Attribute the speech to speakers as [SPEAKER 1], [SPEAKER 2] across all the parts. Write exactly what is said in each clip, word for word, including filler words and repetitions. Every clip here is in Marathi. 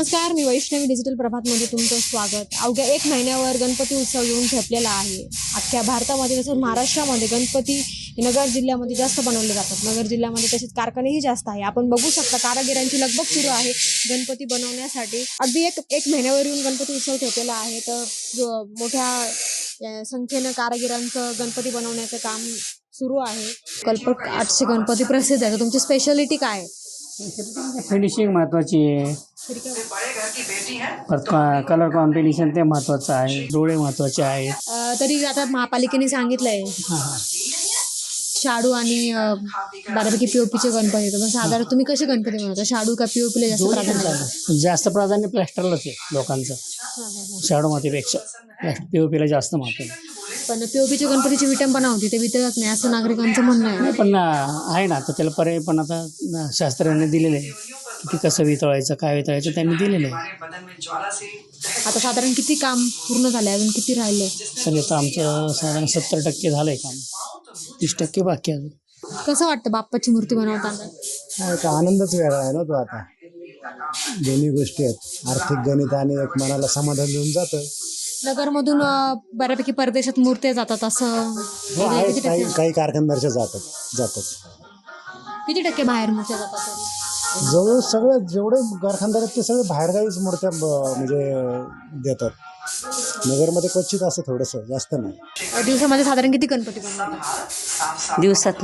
[SPEAKER 1] नमस्कार, मी वैष्णवी डिजिटल प्रभातमध्ये तुमचं स्वागत. अवघ्या एक महिन्यावर गणपती उत्सव येऊन ठेपलेला आहे. अख्ख्या भारतामध्ये तसंच महाराष्ट्रामध्ये गणपती नगर जिल्ह्यामध्ये जास्त बनवले जातात. नगर जिल्ह्यामध्ये तसेच कारखानेही जास्त आहे. आपण बघू शकता कारागिरांची लगबग सुरू आहे गणपती बनवण्यासाठी. अगदी एक एक महिन्यावर येऊन गणपती उत्सव ठेपलेला आहे. तर ज- मोठ्या अ, संख्येनं कारागिरांचं गणपती बनवण्याचं काम सुरू आहे. कल्पक आठशे गणपती प्रसिद्ध आहे. तर तुमची स्पेशालिटी काय आहे?
[SPEAKER 2] फिनिशिंग महत्त्वाची आहे. परत कलर कॉम्बिनेशन ते महत्त्वाचं आहे. डोळे महत्त्वाचे आहेत.
[SPEAKER 1] अ, तरी आता महापालिकेने सांगितलंय
[SPEAKER 2] हां हां
[SPEAKER 1] शाडू आणि अ, बऱ्यापैकी पीओपीचे गणपती येतात. तर साधारण तुम्ही कसे गणपती बनवता? शाडू का पीओपीला जास्त प्राधान्य आहे?
[SPEAKER 2] जास्त प्राधान्य प्लॅस्टरलाच आहे लोकांचं, शाडो मातीपेक्षा पी ओ पीला जास्त महत्त्व आहे.
[SPEAKER 1] पण पीओपीच्या गणपतीची विटंबना होती, ते वितळत नाही असं नागरिकांचं म्हणणं आहे.
[SPEAKER 2] नाही पण आहे ना, तर त्याला पर्याय पण आता शास्त्रज्ञांनी दिलेले आहे की कसं वितळायचं, काय वितळायचं त्यांनी दिलेलं आहे.
[SPEAKER 1] आता साधारण किती काम पूर्ण झाले, अजून किती राहिले?
[SPEAKER 2] सर आता आमचं साधारण सत्तर टक्के झालं आहे काम, तीस टक्के बाकी आहे अजून.
[SPEAKER 1] कसं वाटतं बाप्पाची मूर्ती बनवताना?
[SPEAKER 3] हा एक आनंदच वेगळा आहे ना तो. आता दोन्ही गोष्टी आहेत, आर्थिक गणित आणि एक मनाला समाधान देऊन जातं.
[SPEAKER 1] नगरमधून अ, बऱ्यापैकी परदेशात मूर्त्या जातात असं
[SPEAKER 3] हो आहे,
[SPEAKER 1] किती
[SPEAKER 3] काही
[SPEAKER 1] टक्के
[SPEAKER 3] काही कारखानदारच्या जातात जातात
[SPEAKER 1] किती टक्के बाहेर मूर्त्या जातात तरी?
[SPEAKER 3] जवळ सगळे जेवढे कारखानदार आहेत ते सगळे बाहेरगावीच मूर्त्या ब- म्हणजे देतात. नगरमध्ये क्वचित असं थोडंसं, जास्त नाही.
[SPEAKER 1] अ, दिवसामध्ये साधारण किती गणपती बनवतात?
[SPEAKER 4] दिवसात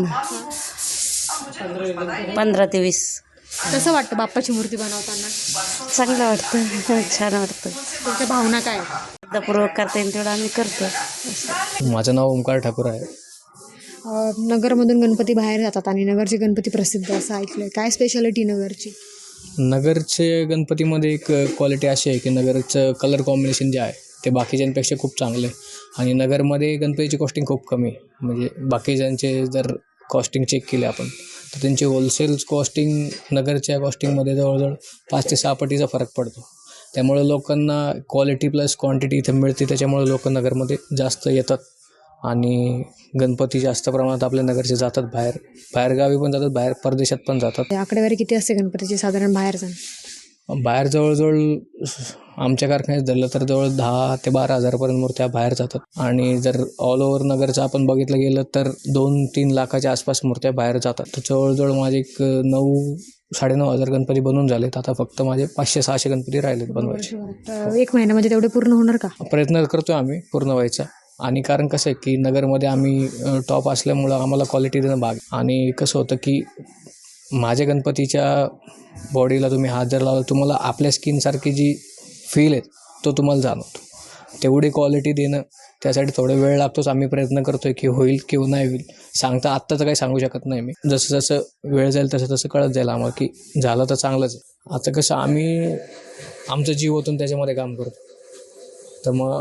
[SPEAKER 4] पंधरा ते वीस.
[SPEAKER 1] कसं वाटतं बाप्पाची मूर्ती बनवताना?
[SPEAKER 4] चांगलं वाटतं, छान वाटतं.
[SPEAKER 1] तुमच्या भावना काय आहेत?
[SPEAKER 4] पूर्वक करता येईल तेवढं आम्ही करतो.
[SPEAKER 5] माझं नाव ओमकार ठाकूर आहे.
[SPEAKER 1] अ, नगरमधून गणपती बाहेर जातात आणि नगरचे गणपती प्रसिद्ध असं ऐकलंय. काय स्पेशालिटी नगरची?
[SPEAKER 5] नगरचे गणपतीमध्ये एक क्वालिटी अशी आहे की नगरचं कलर कॉम्बिनेशन जे आहे ते बाकीच्यांपेक्षा खूप चांगलं आहे. आणि नगरमध्ये गणपतीची कॉस्टिंग खूप कमी आहे. म्हणजे बाकीच्यांचे जर कॉस्टिंग चेक केले आपण तर त्यांची होलसेल कॉस्टिंग नगरच्या कॉस्टिंगमध्ये जवळजवळ पाच ते सहा पटीचा फरक पडतो. त्यामुळे लोकांना क्वालिटी प्लस क्वांटिटी इथं मिळते. त्याच्यामुळे लोक नगरमध्ये जास्त येतात आणि गणपती जास्त प्रमाणात आपल्या नगरचे जातात. बाहेर बाहेरगावी पण जातात, बाहेर परदेशात पण जातात.
[SPEAKER 1] आकडेवारी किती असते गणपतीची साधारण बाहेर जाण?
[SPEAKER 5] बाहेर जवळजवळ आमच्या कारखान्यात धरलं तर जवळ दहा ते बारा हजारपर्यंत मूर्त्या बाहेर जातात. आणि जर ऑल ओव्हर नगरचं आपण बघितलं गेलं तर दोन तीन लाखाच्या आसपास मूर्त्या बाहेर जातात. तर जवळजवळ माझे एक नऊ साडेनऊ हजार गणपती बनवून झालेत. आता फक्त माझे पाचशे सहाशे गणपती राहिलेत बनवायचे.
[SPEAKER 1] तर एक महिन्यामध्ये तेवढे पूर्ण होणार का?
[SPEAKER 5] प्रयत्न करतोय आम्ही पूर्ण व्हायचा. आणि कारण कसं आहे की नगरमध्ये आम्ही टॉप असल्यामुळं आम्हाला क्वालिटी देणं भाग. आणि कसं होतं की माझ्या गणपतीच्या बॉडीला तुम्ही हात जर लावला तुम्हाला आपल्या स्किनसारखी जी फील आहे तो तुम्हाला जाणवतो. तेवढी क्वालिटी देणं त्यासाठी थोडा वेळ लागतोच. आम्ही प्रयत्न करतोय की होईल किंवा नाही होईल. सांगता आत्ताचं काही सांगू शकत नाही मी. जसं जसं वेळ जाईल तसं तसं कळत जाईल आम्हाला की झालं तर चांगलंच आहे. आता कसं आम्ही आमचं जीव ओतून त्याच्यामध्ये काम करतो. तर मग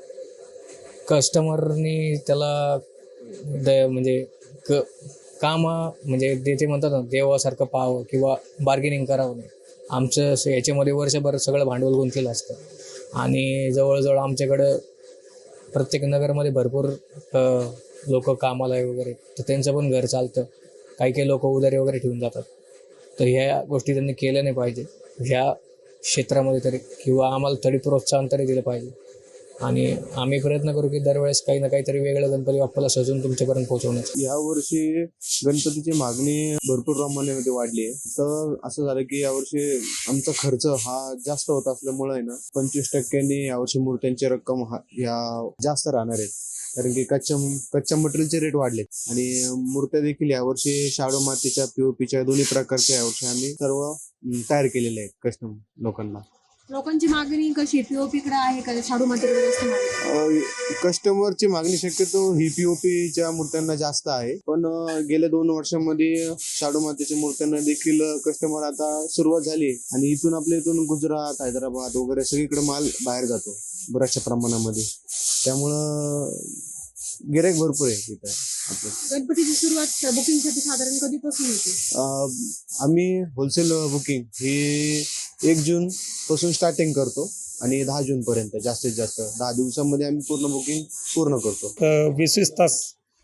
[SPEAKER 5] कस्टमरनी त्याला द म्हणजे क काम म्हणजे ते ते म्हणतात ना देवासारखं पाहावं किंवा बार्गेनिंग करावं नाही. आमचं असं याच्यामध्ये वर्षभर सगळं भांडवल गुंतलेलं असतं. आणि जवळजवळ आमच्याकडं प्रत्येक नगरमध्ये भरपूर लोक कामाला आहे वगैरे, तर त्यांचं पण घर चालतं. काही काही लोक उधारी वगैरे ठेवून जातात. तर ह्या गोष्टी त्यांनी केल्या नाही पाहिजे ह्या क्षेत्रामध्ये तरी, किंवा आम्हाला थोडी प्रोत्साहन तरी दिलं पाहिजे. आणि आम्ही प्रयत्न करू की दरवेळेस काही ना काहीतरी वेगळं गणपती बाप्पाला सजून तुमच्यापर्यंत पोहोचवण्याचं.
[SPEAKER 6] यावर्षी गणपतीची मागणी भरपूर प्रमाणामध्ये वाढली आहे. तर असं झालं की यावर्षी आमचा खर्च हा जास्त होत असल्यामुळे आहे ना पंचवीस टक्क्यांनी यावर्षी मूर्त्यांची रक्कम हा या जास्त राहणार आहेत. कारण की कच्च्या कच्च्या मटेरियलचे रेट वाढलेत. आणि मूर्त्या देखील यावर्षी शाडो मातीच्या पीओपीच्या दोन्ही प्रकारच्या यावर्षी आम्ही सर्व तयार केलेले आहेत कस्टम लोकांना.
[SPEAKER 1] लोकांची मागणी कशी पीओपीकडे आहे का शाडू मातीकडे जास्त मागणी?
[SPEAKER 6] कस्टमरची मागणी शक्यतो ही पीओपीच्या मूर्त्यांना जास्त आहे. पण गेल्या दोन वर्षांमध्ये शाडू मातीच्या मूर्त्यांना देखील कस्टमर आता सुरुवात झाली. आणि इथून आपल्या इथून गुजरात, हैदराबाद वगैरे सगळीकडे माल बाहेर जातो बऱ्याचशा प्रमाणामध्ये. त्यामुळं गिऱ्हाईक भरपूर आहे इथं आपलं.
[SPEAKER 1] गणपतीची सुरुवात बुकिंगसाठी साधारण कधीपासून होते?
[SPEAKER 6] आम्ही होलसेल बुकिंग ही एक जून पासून स्टार्टिंग करतो आणि दहा जून पर्यंत जास्तीत जास्त दहा दिवसांमध्ये आम्ही पूर्ण बुकिंग पूर्ण करतो.
[SPEAKER 2] वीस वीस तास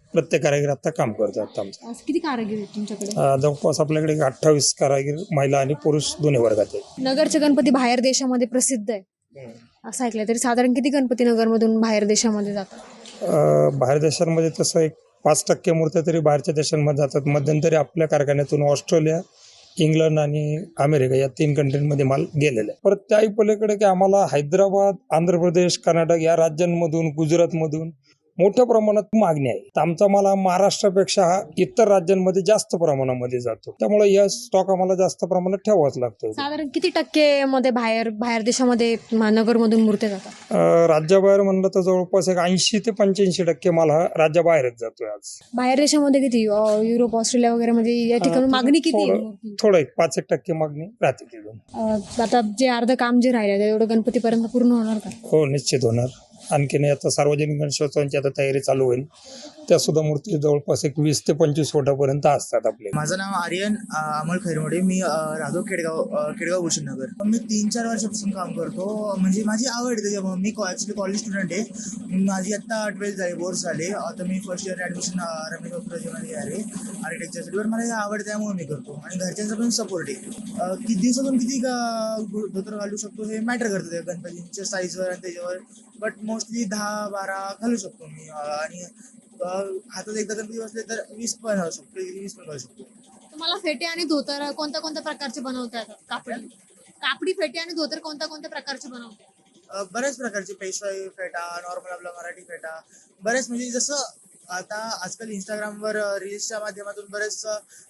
[SPEAKER 7] प्रत्येक कारागीर आता काम करतात आता आमचं.
[SPEAKER 1] आज किती कारागीर आहेत तुमच्याकडे?
[SPEAKER 7] अं, जवळपास आपल्याकडे अठ्ठावीस कारागीर महिला आणि पुरुष दोन्ही वर्गात आहेत.
[SPEAKER 1] नगरचे गणपती बाहेर देशामध्ये प्रसिद्ध आहे असं ऐकलंय, तरी साधारण किती गणपती नगरमधून बाहेर देशामध्ये जातात?
[SPEAKER 7] अं, बाहेर देशांमध्ये तसं एक पाच टक्के मूर्त्या तरी बाहेरच्या देशांमध्ये जातात. मध्यंतरी आपल्या कारखान्यातून ऑस्ट्रेलिया, इंग्लंड आणि अमेरिका या तीन कंट्रीमध्ये माल गेलेला आहे. परत त्याही पलीकडे की आम्हाला हैदराबाद, आंध्र प्रदेश, कर्नाटक या राज्यांमधून, गुजरातमधून मोठ्या प्रमाणात मागणी आहे. तर आमचा माल हा महाराष्ट्रापेक्षा हा इतर राज्यांमध्ये जास्त प्रमाणामध्ये जातो. त्यामुळे या स्टॉक आम्हाला जास्त प्रमाणात ठेवावाच लागतो.
[SPEAKER 1] साधारण किती टक्के मध्ये बाहेर बाहेर देशामध्ये नगरमधून मूर्त्या जातात?
[SPEAKER 7] अं, राज्याबाहेर म्हणलं तर जवळपास एक ऐंशी ते पंच्याऐंशी टक्के माल हा राज्याबाहेरच जातोय आज.
[SPEAKER 1] बाहेर देशामध्ये किती? अं, युरोप, ऑस्ट्रेलिया वगैरे मध्ये या ठिकाणी
[SPEAKER 7] अं,
[SPEAKER 1] मागणी किती आहे
[SPEAKER 7] थोडं
[SPEAKER 1] मूर्ती?
[SPEAKER 7] थोडं एक पाच एक टक्के मागणी राहते तिथून.
[SPEAKER 1] अं, आता जे अर्ध काम जे राहिलं तेवढं गणपतीपर्यंत पूर्ण होणार का?
[SPEAKER 7] हो, निश्चित होणार. आणखीन आता सार्वजनिक गणेशोत्सवांची आता तयारी चालू होईल. त्या सुद्धा मूर्ती जवळपास एक वीस ते पंचवीस फुटापर्यंत असतात आपले.
[SPEAKER 8] माझं नाव आर्यन अ, अमोल खैरमोडे. मी अ, राहतो खेडगाव अ, खेडगाव भूषण नगर. मी तीन चार वर्षापासून काम करतो. म्हणजे माझी आवड आहे त्याच्यामुळे. मी ॲक्च्युली कॉलेज स्टुडंट आहे. माझी आत्ता ट्वेल्थ झाली, बोर्ड झाले. आता मी फर्स्ट इयर ॲडमिशन रमेश बापूराजेमध्ये आहे आर्किटेक्चरसाठी. पण मला हे आवड त्यामुळे मी करतो आणि घरच्यांचा पण सपोर्ट आहे. अ, किती दिवसातून किती ग- धोतर घालू शकतो हे मॅटर करतं त्या गणपतीच्या साईजवर आणि त्याच्यावर. बट मोस्टली दहा बारा घालू शकतो मी. अ, आणि अ, हातात एकदा गणपती बसले तर वीस पण घालू शकतो, वीस पण घालू शकतो.
[SPEAKER 1] तुम्हाला फेटे आणि धोतर कोणत्या कोणत्या प्रकारचे बनवता येतात? कापडी कापडी फेटे आणि धोतर कोणत्या कोणत्या प्रकारचे बनवता येतात?
[SPEAKER 8] अ, बऱ्याच प्रकारचे पेशवाई फेटा, नॉर्मल आपला मराठी फेटा, बरेच म्हणजे जसं आता आजकाल इंस्टाग्रामवर रील्सच्या माध्यमातून बरेच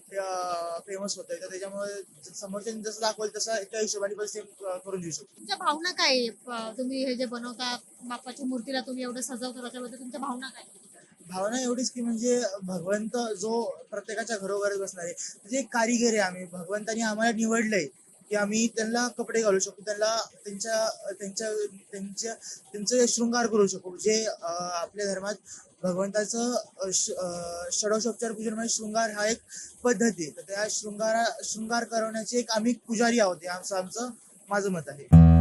[SPEAKER 8] फेमस होत आहे. तर त्याच्यामुळे समोरच्याने जसं दाखवलं तसं त्या हिशोबाने पण सेम करून देऊ शकतो.
[SPEAKER 1] तुमच्या भावना काय आहे? प- तुम्ही हे जे बनवता बाप्पाच्या मूर्तीला तुम्ही एवढं सजवता त्याच्याबद्दल तुमच्या भावना काय आहे?
[SPEAKER 8] भावना एवढीच की म्हणजे भगवंत जो प्रत्येकाच्या घरोघर बसणार आहे, म्हणजे एक कारिगर आहे आम्ही. भगवंतानी आम्हाला निवडलंय की आम्ही त्यांना कपडे घालू शकतो, त्यांना त्यांच्या त्यांच्या त्यांच्या त्यांचे शृंगार करू शकू. जे अं, आपल्या धर्मात भगवंताचं अं, श- अं, षडोषोपचार पूजन म्हणजे शृंगार हा एक पद्धती आहे. तर त्या शृंगारा शृंगार करवण्याचे एक आम्ही पुजारी आहोत. हे आमचं आमचं माझं मत आहे.